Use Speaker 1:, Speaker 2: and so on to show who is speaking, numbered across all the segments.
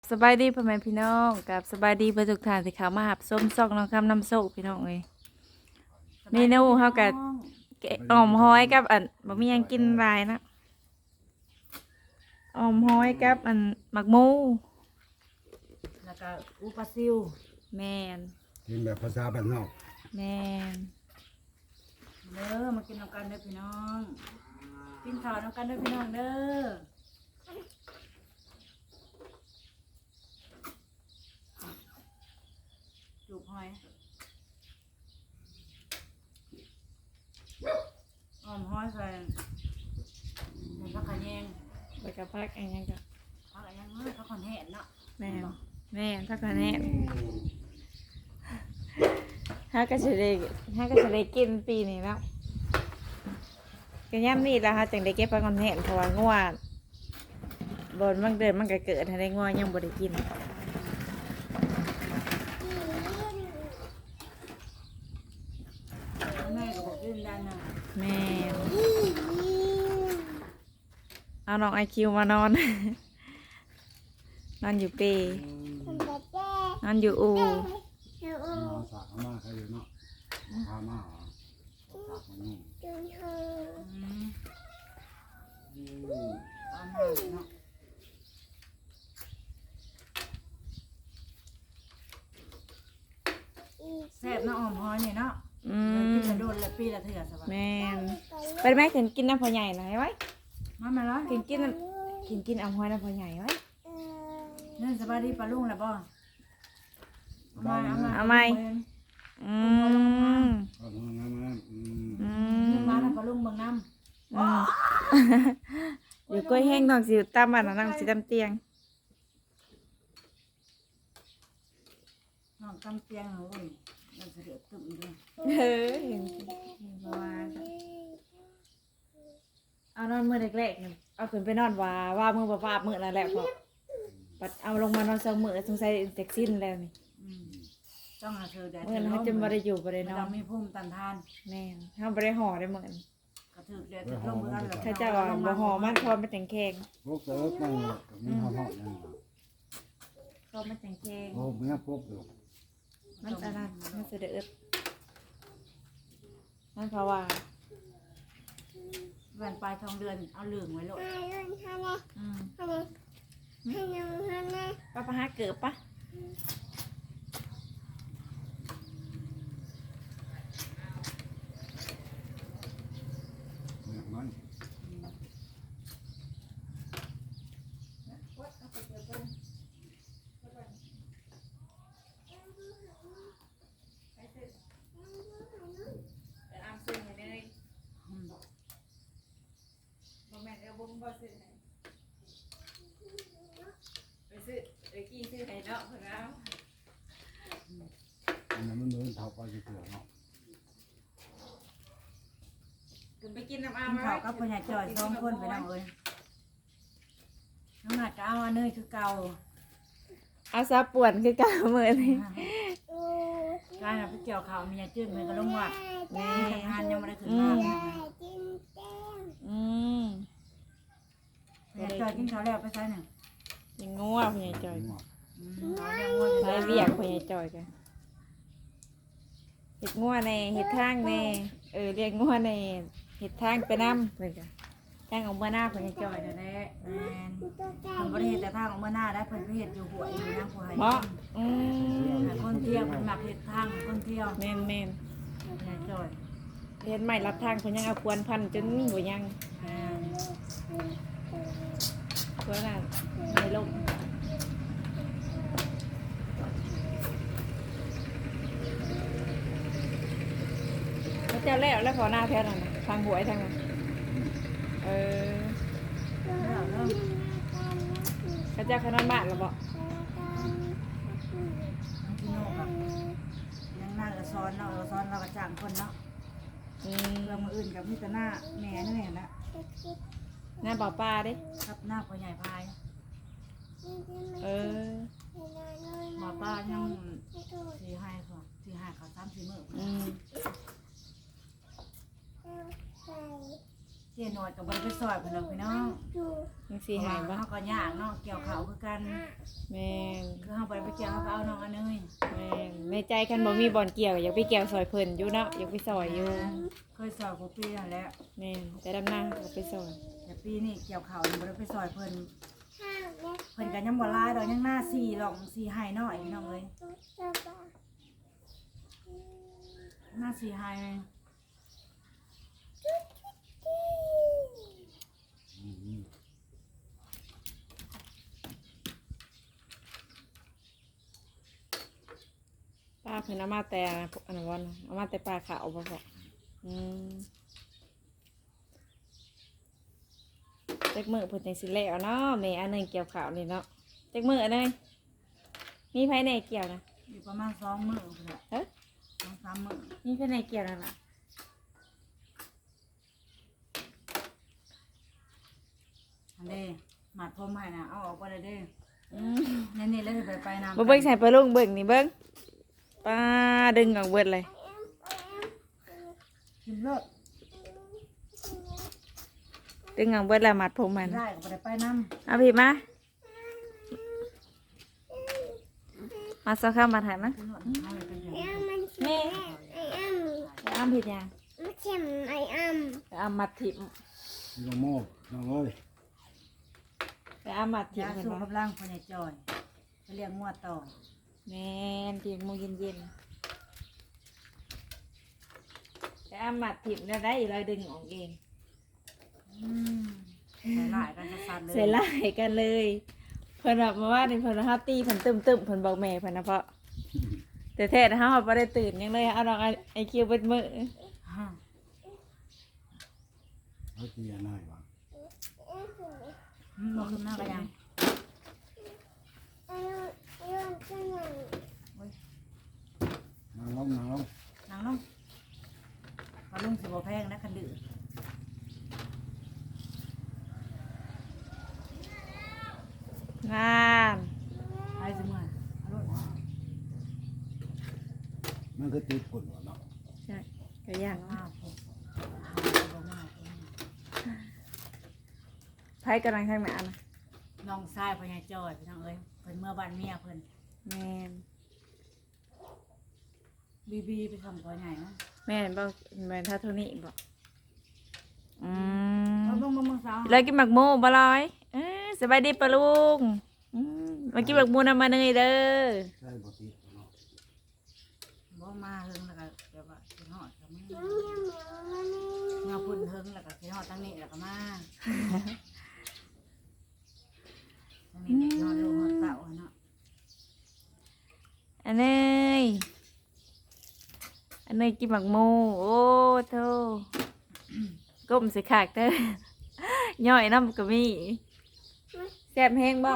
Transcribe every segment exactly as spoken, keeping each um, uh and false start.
Speaker 1: สบายดีพ่อแม่พี่น้องกับสบายดีเพื่อทุกท่านที่เขามาหับส้มซอกน้องคำน้ำโซกพี่น้องเลยเมนูเฮากับแกงอ่อมห้อยกับอันบ่มีหยังกินหลายนะอ่อมห้อยกับอันหมักหมู
Speaker 2: แล้วก็อุปลาซิว
Speaker 1: แม่น
Speaker 3: กินแบบภาษาบ้านนอก
Speaker 1: แม่น
Speaker 2: เด้อมากินน้ำกันเด้อพี่น้องกินข้าวน้ำกันเด้อพี่น้องเด้อจูบหอยอ้อมหอยใส่ใส่ผักขะแยง
Speaker 1: ไปกับพักอันยังก็
Speaker 2: ผักขะแยงเอ้ยผักขอนแห้งเนาะ
Speaker 1: แม่นแม่นพักกันแน่ฮาก็สิได้ฮาก็สิได้กินปีนี้แล้วก็ย่ำนี่แหละฮะจังได้เก็บไปก่อนแห้งเพราะว่างัวบนมันเดินมันก็เกิดให้ได้งัวยังบ่ได้กิน
Speaker 2: แม่ก็บอกกินได้นะ
Speaker 1: แม่นเอาน้องไอคิวมานอน นอนอยู่เปนอนอยู่อู
Speaker 3: เอาสากมาใครอยู่เนาะพามาเหรอสากมันนุ่ม
Speaker 2: อืมเอามาเนาะแซ่บเนาะอ้อมหอยนี่เนาะ
Speaker 1: อื
Speaker 2: กิน
Speaker 1: ม
Speaker 2: กระโดดละปีละเถื่อสบาย
Speaker 1: แม่นไปไหมถึงกินน้ำพอใหญ่หน่อยไว้
Speaker 2: มามาแล้ว
Speaker 1: กินกินกินกินเอาห้อยน้ำพอใหญ่ไว้
Speaker 2: นั่นสบายดีปลาลุงแล้วบ่เอามาเอามา
Speaker 1: เอาไหมอืม
Speaker 3: เอามามามาอืม
Speaker 1: อื
Speaker 2: เอา
Speaker 1: ม
Speaker 2: มาทำปลาลุงเบิ่งน้
Speaker 1: อืมอยู่กล้วยแห้งน้องสิตามบ้านน้องสิตามเตียง
Speaker 2: ำน้องกำเตียงโอ้ยมันเสด็จตึ้มด้วย
Speaker 1: เฮ้ยเห็นเห็นเพราะว่าเอานอนมือแรกๆเนี่ยเอาขึ้นไปนอนว่าว่ามือบ่ปาบมือนั่นแหละพอปัดเอาลงมานอนสองมือสงสัยเซ็กซินแล้วนี่
Speaker 2: อืมต้องหาเธอแดด
Speaker 1: เมื่อนั้นเขาจะบ่ได้อยู่บ่ได้
Speaker 2: ไม่
Speaker 1: นอ
Speaker 2: ต้อน งมีภูมิต้านทาน
Speaker 1: แม่นเฮาบ่ได้ห่อได้เหมือน
Speaker 2: กระถือแดดถือลมเหมือนกันเหรอ
Speaker 1: ถ้าเจ้าว่าบ่ห่อมันพอมันจังแข็ง
Speaker 3: พวกเติร์กนั่งเลยกับมีหอมหอมยัง
Speaker 1: พอมันจังแข็ง
Speaker 3: โอ้เมียพวกอยู่
Speaker 1: มันอันนั้นมันสิได้อึดนั่นเพราะว่า
Speaker 2: แหวนปลายทองเดือนเอาเหลืองไว้โลด
Speaker 1: อืมป้าปะหาเกิบปะ
Speaker 3: เนี่ยมัน
Speaker 1: ไปอามซื้อให้เลย
Speaker 2: อืม
Speaker 1: บ่แม่นเอาบ่บ่ซื้อให้ไปซื้อไปกี้ซื้อให้เนาะเพิ่นเอา
Speaker 3: อันนั้นมันเดินเท่าไปจะเถื่อนเนาะ
Speaker 1: ขึ้นไปกินน้ำอา
Speaker 2: กิ
Speaker 1: ม
Speaker 2: นข้าวกับพญาจอยสองคนไปนั่งเอ้ยน้องหนัดก็เอาอันเนยคือเก่า
Speaker 1: เอาซาป่วนคือเก่ามื้อนี้
Speaker 2: การเอาไปเกี่ยวข้าวมียาจืดมันก็ลงวัด
Speaker 1: แม่
Speaker 2: ทำงานยังไม่ได้ขึ้นมา
Speaker 1: อืม
Speaker 2: พญาจอยกินข้าวแล้วไปใส่หนึ่ง
Speaker 1: ยังงัวพญาจอย
Speaker 3: งัว
Speaker 2: อืมเอาเรื่องว่าจะ
Speaker 1: ได้เวียกพญาจอยกันเฮ็ดงัวในเฮ็ดทางในเออเรียกงัวในเฮ็ดทางไปนำเพิ่นก็ทางของบ่หน้าพญาจอยนั่นแหละ
Speaker 2: แมนคนบริเหตุแต่ทางของเมื่อหน้าได้เพิ่นไปเหตุอยู่หัวอยู่นะผู้ให้
Speaker 1: เพราะอืม
Speaker 2: ให้คนเที่ยวเพิ่นมักเหตุทางคนเที่ยว
Speaker 1: แม่นแม่น
Speaker 2: พญาจอย
Speaker 1: เฮ็ดใหม่รับทางเพิ่นยังเอาควรพันจนบ่ยัง
Speaker 2: แมน
Speaker 1: เพิ่นน่ะไม่ลงเขาเจ้าแล้วแล้วพอหน้าแท้นั่นน่ะทางหวยทางนั้นเออ
Speaker 2: แล้วเริ่ม
Speaker 1: เขาเจ้าเขานอนบ้านแล้วบ่
Speaker 2: พี่โน่กับยังหน้าก็ซ้อนเนาะเราซ้อนเราก็จ้างคนเนาะ
Speaker 1: อืม
Speaker 2: เรื่องมืออื่นกับมิตรหน้าแม่นี่แหละ
Speaker 1: หน้าบ่อปลาเด้
Speaker 2: ครับหน้าพ่อใหญ่พาย
Speaker 1: เออ
Speaker 2: หมอป้ายังสี่ให้ค่ะสี่ให้เขาสามสี่มื้อ
Speaker 1: อืม
Speaker 2: เจโนอดกับบริไปซอยเพิ่นเนาะพี่น้อง
Speaker 1: ยังสีหายบ่
Speaker 2: เฮาก็ยากเนาะเกี่ยวข้าวคือกัน
Speaker 1: แม่น
Speaker 2: คือเฮาบ่ได้ไปเกี่ยวเฮาก็เอาน้องอันนึง
Speaker 1: แม่นในใจคันบ่มีบ่อนเกี่ยวอยากไปเกี่ยวซอยเพิ่นอยู่เนาะอยากไปซอยอยู่
Speaker 2: เคยซอยกูปีนั่นแหละ
Speaker 1: แม่นแต่ดำหน้าก็ไปซอย
Speaker 2: แต่ปีนี้เกี่ยวข้าวนี่บ่ได้ไปซอยเพิ่นเพิ่นก็ยังบ่หลายดอกยังหน้าสี่หรอกสี่ให้น้อยพี่น้องเอ้ยหน้าสี่ให้
Speaker 3: อืม
Speaker 1: ป้าเพิ่นเอามาแต่อันนั้นวันเอามาแต่ปลาขาวบ่พออืมจักมื้อเพิ่นจังสิแล้วเนาะแม่อันหนึงเกี่ยวข้าวนี่เนาะจักมื้ออันนึงมีไผแหน่เกี่ยวนะ
Speaker 2: อยู่ประมาณสองมื้อพุ่นน่ะ
Speaker 1: เอ้อ
Speaker 2: สองสามมื้อ
Speaker 1: มีไผแหน่เกี่ยวนั่นล่ะ
Speaker 2: อันเด้หมัดผมให้น่ะเอาออกบ่ได้เด้
Speaker 1: อืม
Speaker 2: นี่ๆแล้วสิไปไปนำ
Speaker 1: บ่เบิ่งใส่ปลาลุงเบิ่งนี่เบิ่งป้าดึงออกเบิดเลย
Speaker 2: กินเลิศ
Speaker 1: ดึงออกเบิดแล้วมัดผมมัน
Speaker 2: ได้ก็บ่ได้ไปนำ
Speaker 1: เอาพี่มามาสักข้ามมาถ่ายมั้ย
Speaker 2: กินเลิศเอาไปเป็นเดือน
Speaker 1: แม่อ้ำผิดยัง
Speaker 4: ไม่เข็มไออ้ำ
Speaker 1: ไปอ้ำมัดถิ่ม
Speaker 3: นี่ก็โม่น้องเอ้ย
Speaker 1: ไปอ้ำมัดถิ่ม
Speaker 2: ยา
Speaker 1: เห็น
Speaker 2: สูบ
Speaker 1: ปะ
Speaker 2: กำลังพ่อใหญ่จอยไปเลี้ยงงัวต่อ
Speaker 1: แม่นถิ่มโมเย็นเย็นๆไปอ้ำมัดถิ่มแล้วได้เลยดึงออกเอง
Speaker 2: อืมใส่หลายกันสัสๆเลย
Speaker 1: ใส่ไล่กันเลยเพิ่นแบบมาว่าในเพิ่นฮัตตี้เพิ่นตึมตึมๆเพิ่นบอกแม่เพิ่นนะเพราะแต่แท้ๆเฮาบ่ได้ตื่นยังเลยเอาดอกไอไอคิวเบิดมื้อ
Speaker 2: ฮะ
Speaker 3: เขาตีอันไหนวะ
Speaker 2: อืมบ่ขึ้นหน้าก็ยัง
Speaker 3: นางลงนางลง
Speaker 2: นางลงปลาลุงสิบ่แพงนะคันดื้อ
Speaker 1: งาม
Speaker 2: ไปสิเมื่อเอารถ
Speaker 3: มันคือตีปุ่นวะเนาะ
Speaker 1: ใช่ก็ย่าง
Speaker 2: อ้าวผมเอาบ่มาเอง
Speaker 1: ไผกำลังทางหน้านะ
Speaker 2: น้องชายพ่อใหญ่จอยพี่น้องเอ้ยเพิ่นเมื่อบ้านเมียเพิ่น
Speaker 1: แม่น
Speaker 2: บีบีไปทำพ่อใหญ่เนาะ
Speaker 1: แม่นบ่แม่นท่าเท่านี้บ่อืม
Speaker 2: เอาเบิ่งเบิ่งเบิ่งสาว
Speaker 1: เลยกินหมักโมบ่ลอยเอ้ยสบายดีปะลุงอืมมากินหมักโมนำมาเนยเด้อ
Speaker 3: ใช่บ่ตีเนาะ
Speaker 2: บ่มาเฮิงแล้วก็เดี๋ยวว่าสิฮอดก็มาเงาพุ่นเฮิงแล้วก็สิฮอดทางนี้แล้วก็มาทางนี้นอนลงฮอดเต่าอะเนาะ
Speaker 1: อันเนยอันเนยกินหมักโมโอ้โธ่ก้มสิขากเด้อย่อยน้ำก็มีแซ่บแห้งบ่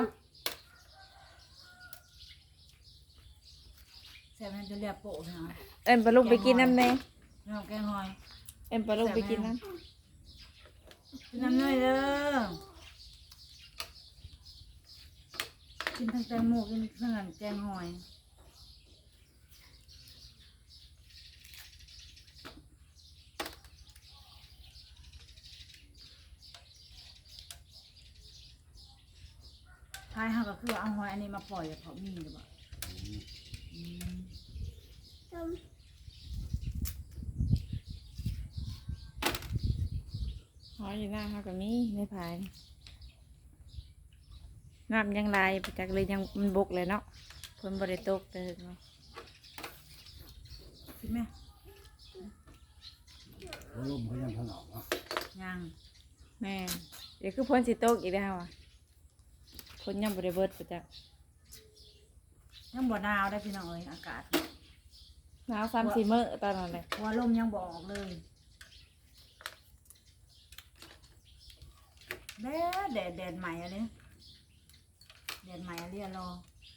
Speaker 2: แซ่บมันจะเรียกโปะเนาะ
Speaker 1: เอิ้นปะลุงไปกินน้ำแน่
Speaker 2: น้องแกงหอย
Speaker 1: เอิ้นปะลุงไปกินน้
Speaker 2: กินน้ำน้อยเด้อกินทั้งแตงโมกินทั้งอันแกงหอยท้ายเฮาก็คือว่าเอาหอยอันนี้มาปล่อยกับเขามีหรือเปล่าอืม
Speaker 1: ำหอยอยู่หน้าเขาก็มีในภายน้ำยังลายไปจากเลยยังมันบกเลยเนาะเพิ่นบ่ได้ตกเด้อเนาะ
Speaker 2: คิดไหม
Speaker 3: แล้วลมเขายังถนอมเนาะ
Speaker 2: ยัง
Speaker 1: แม่นเดี๋ยวคือพ้นสิตกอีกแล้วอ่ะพ้นยังบ่ได้เบิดไปจ้ะ
Speaker 2: ยังบ่หนาวได้พี่น้องเอ้ยอากาศ
Speaker 1: หนาวสามสี่มื้อตอนนั้นเลย
Speaker 2: หัวลมยังบ่ออกเลยแดดแดดแดดใหม่อะไรแดดใหม่อะไรอะรอ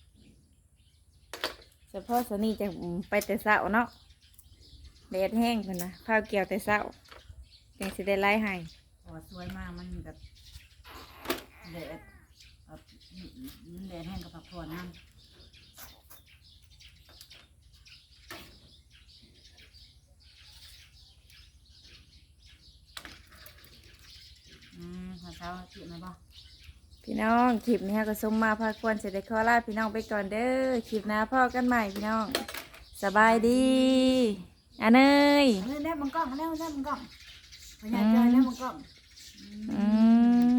Speaker 1: เฉพาะสนี่จะไปแต่เช้าเนาะแดดแห้งเพิ่นนะข้าวเกี่ยวแต่เช้าจังสิได้ไล่ให้
Speaker 2: โอ้สวยมากมันแบบแดดแบบมันแดดแห้งกับผักผ่อนน้ำสาวจีบไหมบ่
Speaker 1: พี่น้องคลิปนี้ฮะก็สมมาพาควรเสร็จได้ขอลาพี่น้องไปก่อนเด้อคลิปหน้าพ่อกันใหม่พี่น้องสบายดีอันเนย
Speaker 2: เล่นเล่นมังกรเล่นเล่นมังกรพญาจอยเล่นมังกร
Speaker 1: อืม